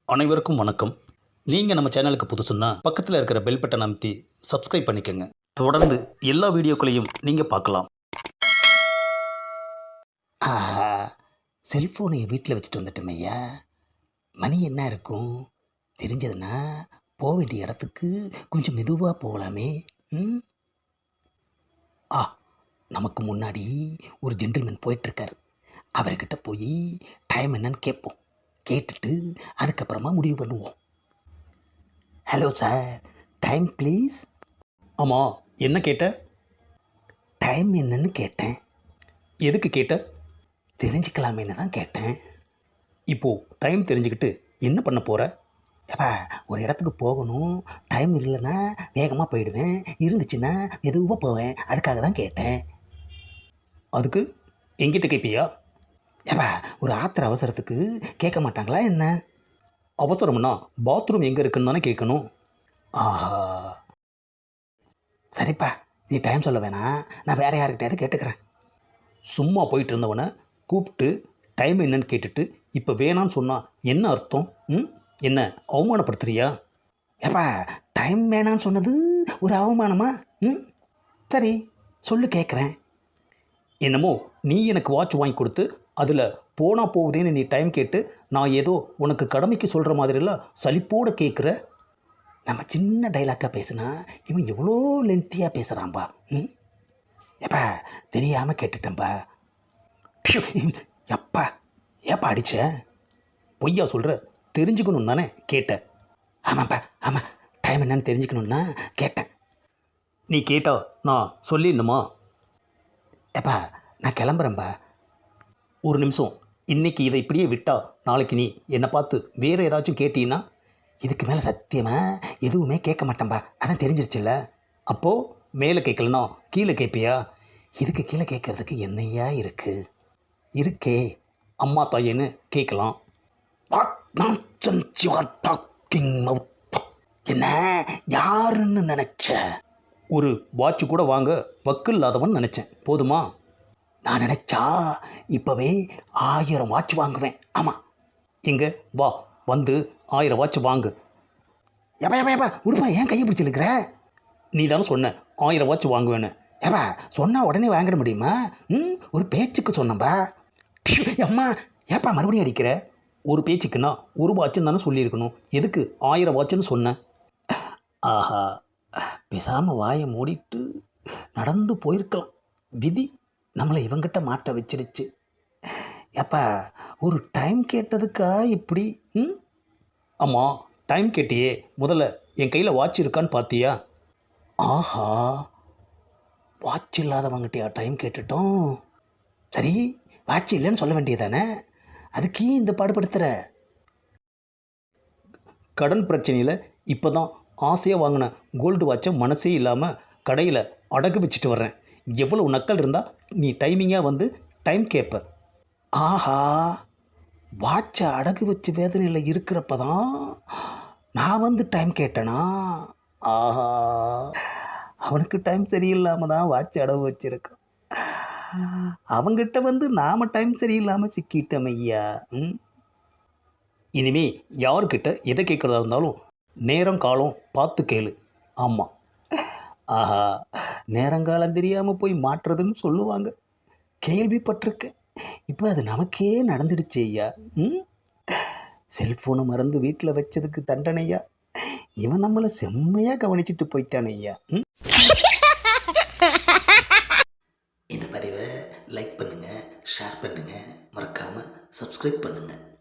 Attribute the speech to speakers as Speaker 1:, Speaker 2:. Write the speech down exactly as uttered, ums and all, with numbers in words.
Speaker 1: அனைவருக்கும் வணக்கம். நீங்கள் நம்ம சேனலுக்கு புதுசுன்னா பக்கத்தில் இருக்கிற பெல் பட்டன் அமைத்தி சப்ஸ்கிரைப் பண்ணிக்கோங்க. தொடர்ந்து எல்லா வீடியோக்களையும் நீங்கள் பார்க்கலாம்.
Speaker 2: ஆஹா, செல்ஃபோனை வீட்டில் வச்சுட்டு வந்துட்டோம் ஐயா. மணி என்ன இருக்கும் தெரிஞ்சதுன்னா போக வேண்டிய இடத்துக்கு கொஞ்சம் மெதுவாக போகலாமே. ம் ஆ நமக்கு முன்னாடி ஒரு ஜென்டில்மேன் போயிட்டுருக்கார். அவர்கிட்ட போய் டைம் என்னன்னு கேட்போம். கேட்டுட்டு அதுக்கப்புறமா முடிவு பண்ணுவோம். Hello sir, time please.
Speaker 1: ஆமாம், என்ன கேட்ட?
Speaker 2: டைம் என்னன்னு கேட்டேன்.
Speaker 1: எதுக்கு கேட்ட?
Speaker 2: தெரிஞ்சுக்கலாமேன்னு தான் கேட்டேன்.
Speaker 1: இப்போது டைம் தெரிஞ்சுக்கிட்டு என்ன பண்ண போகிற?
Speaker 2: ஏப்பா, ஒரு இடத்துக்கு போகணும். டைம் இல்லைன்னா வேகமாக போயிடுவேன், இருந்துச்சுன்னா மெதுவாக போவேன். அதுக்காக தான் கேட்டேன்.
Speaker 1: அதுக்கு எங்கிட்ட கேட்பியா?
Speaker 2: ஏப்பா, ஒரு ஆத்திர அவசரத்துக்கு கேட்க மாட்டாங்களா என்ன?
Speaker 1: அவசரம்னா பாத்ரூம் எங்கே இருக்குன்னு தானே கேட்கணும்.
Speaker 2: ஆஹா, சரிப்பா, நீ டைம் சொல்ல வேணாம், நான் வேறு யாருக்கிட்டையாவது கேட்டுக்கிறேன்.
Speaker 1: சும்மா போயிட்டு இருந்தவனை கூப்பிட்டு டைம் என்னன்னு கேட்டுட்டு இப்போ வேணான்னு சொன்னால் என்ன அர்த்தம்? ம் என்ன அவமானப்படுத்துறியா?
Speaker 2: ஏப்பா, டைம் வேணான்னு சொன்னது ஒரு அவமானமா? ம் சரி, சொல்லு, கேட்குறேன்.
Speaker 1: என்னமோ நீ எனக்கு வாட்ச் வாங்கி கொடுத்து அதில் போனால் போகுதேன்னு நீ டைம் கேட்டு நான் ஏதோ உனக்கு கடமைக்கு சொல்கிற மாதிரிலாம் சலிப்போடு கேட்குற.
Speaker 2: நம்ம சின்ன டைலாக்காக பேசுனா இவன் எவ்வளோ லென்த்தியாக பேசுகிறான்பா. ம் ஏப்பா, தெரியாமல் கேட்டுட்டேன்ப்பா. ப்ஷு, எப்பா ஏப்பா அடிச்ச?
Speaker 1: பொய்யா சொல்கிற? தெரிஞ்சுக்கணும் தானே கேட்ட?
Speaker 2: ஆமாப்பா, ஆமாம், டைம் என்னன்னு தெரிஞ்சுக்கணுன்னு தான் கேட்டேன்.
Speaker 1: நீ கேட்டா நான் சொல்லிடணுமா?
Speaker 2: ஏப்பா, நான் கிளம்புறேன்பா.
Speaker 1: ஒரு நிமிஷம். இன்றைக்கி இதை இப்படியே விட்டா நாளைக்கு நீ என்னை பார்த்து வேறு ஏதாச்சும் கேட்டீன்னா?
Speaker 2: இதுக்கு மேலே சத்தியமாக எதுவுமே கேட்க மாட்டேன்பா, அதான் தெரிஞ்சிருச்சுல்ல.
Speaker 1: அப்போது மேலே கேட்கலனா கீழே கேட்பியா?
Speaker 2: இதுக்கு கீழே கேட்குறதுக்கு என்னையா இருக்குது? இருக்கே.
Speaker 1: அம்மா தாயேன்னு கேட்கலாம்.
Speaker 2: What nonsense you are talking out? என்ன யாருன்னு நினச்ச?
Speaker 1: ஒரு வாட்ச் கூட வாங்க வக்கு இல்லாதவன் நினச்சேன். போதுமா?
Speaker 2: நான் நினச்சா இப்போவே ஆயிரம் வாட்ச் வாங்குவேன். ஆமாம்.
Speaker 1: எங்கே வா, வந்து ஆயிரம் வாட்ச் வாங்கு.
Speaker 2: எப்பா எப்பா எப்பா உடுப்பா, ஏன் கையை பிடிச்சி இழுக்கிற?
Speaker 1: நீ தானே சொன்ன ஆயிரம் வாட்ச் வாங்குவேன்னு.
Speaker 2: ஏப்பா, சொன்னால் உடனே வாங்கிட முடியுமா? ம் ஒரு பேச்சுக்கு சொன்னப்பா. அம்மா, ஏப்பா மறுபடியும் அடிக்கிற?
Speaker 1: ஒரு பேச்சுக்குன்னா ஒரு வாட்சுன்னு தானே சொல்லியிருக்கணும். எதுக்கு ஆயிரம் வாட்சுன்னு சொன்னேன்?
Speaker 2: ஆஹா, பேசாமல் வாயை மூடிட்டு நடந்து போயிருக்கலாம். விதி நம்மளை இவங்கிட்ட மாட்ட வச்சிடுச்சு. ஏப்பா, ஒரு டைம் கேட்டதுக்கா இப்படி? ம்
Speaker 1: ஆமாம், டைம் கேட்டியே, முதல்ல என் கையில் வாட்ச் இருக்கான்னு பார்த்தியா?
Speaker 2: ஆஹா, வாட்ச் இல்லாதவங்கிட்டயா டைம் கேட்டுட்டோம்? சரி, வாட்ச் இல்லைன்னு சொல்ல வேண்டியதானே, அதுக்கு இந்த பாடுபடுத்துகிற?
Speaker 1: கடன் பிரச்சனையில் இப்போ தான் ஆசையாக வாங்கின கோல்டு வாட்சை மனசே இல்லாமல் கடையில் அடகு வச்சுட்டு வர்றேன். எவ்வளோ நக்கல் இருந்தால் நீ டைமிங்காக வந்து டைம் கேட்ப?
Speaker 2: ஆஹா, வாட்சை அடகு வச்சு வேதனையில் இருக்கிறப்ப தான் நான் வந்து டைம் கேட்டேனா? ஆஹா, அவனுக்கு டைம் சரியில்லாமல் தான் வாட்ச் அடகு வச்சுருக்கான். அவங்கிட்ட வந்து நாம் டைம் சரியில்லாமல் சிக்கிட்டோம் ஐயா. ம்
Speaker 1: இனிமே யாருக்கிட்ட எதை கேட்குறதா இருந்தாலும் நேரம் காலம் பார்த்து கேளு. ஆமாம்.
Speaker 2: ஆஹா, நேரங்காலம் தெரியாமல் போய் மாட்டுறதுன்னு சொல்லுவாங்க, கேள்விப்பட்டிருக்கேன். இப்போ அது நமக்கே நடந்துடுச்சு ஐயா. ம் செல்ஃபோனை மறந்து வீட்டில் வச்சதுக்கு தண்டனையா இவன் நம்மளை செம்மையாக கவனிச்சிட்டு போயிட்டான் ஐயா. ம் இந்த பதிவை லைக் பண்ணுங்கள், ஷேர் பண்ணுங்கள், மறக்காமல் சப்ஸ்கிரைப் பண்ணுங்கள்.